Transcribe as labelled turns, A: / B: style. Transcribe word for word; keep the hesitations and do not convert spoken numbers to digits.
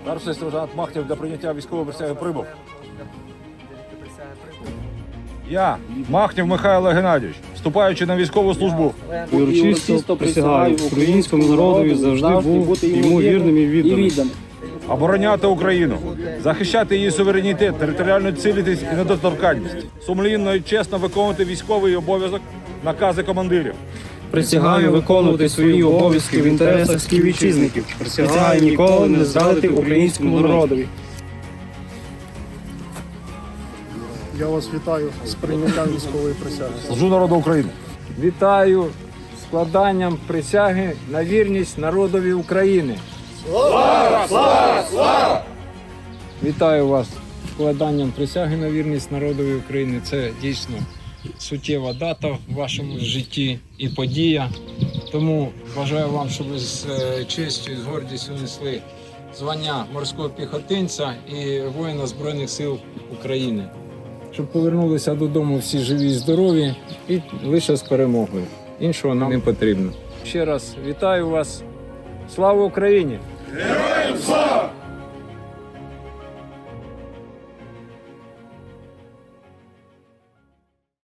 A: Старший сержант Махнєв для прийняття військової присяги прибув. Я, Махнєв Михайло Геннадійович, вступаючи на військову службу,
B: І урочисто присягаю українському народові завжди бути йому вірним і відданим.
A: обороняти Україну, захищати її суверенітет, територіальну цілісність і недоторканність, сумлінно і чесно виконувати військовий обов'язок, накази командирів.
B: Присягаю виконувати свої обов'язки в інтересах співвітчизників. Присягаю ніколи не зрадити українському народові.
C: Я вас вітаю з прийняттям військової присяги.
A: Служу народу України.
D: Вітаю з складанням присяги на вірність народові України. Слава! Слава! Слава! Вітаю вас з складанням присяги на вірність народові України. Це дійсно суттєва дата в вашому житті і подія. Тому бажаю вам, щоб ви з честю і з гордістю несли звання морського піхотинця і воїна Збройних сил України. Щоб повернулися додому всі живі і здорові і лише з перемогою. Іншого нам не потрібно. Ще раз вітаю вас. Слава Україні! Героям слава!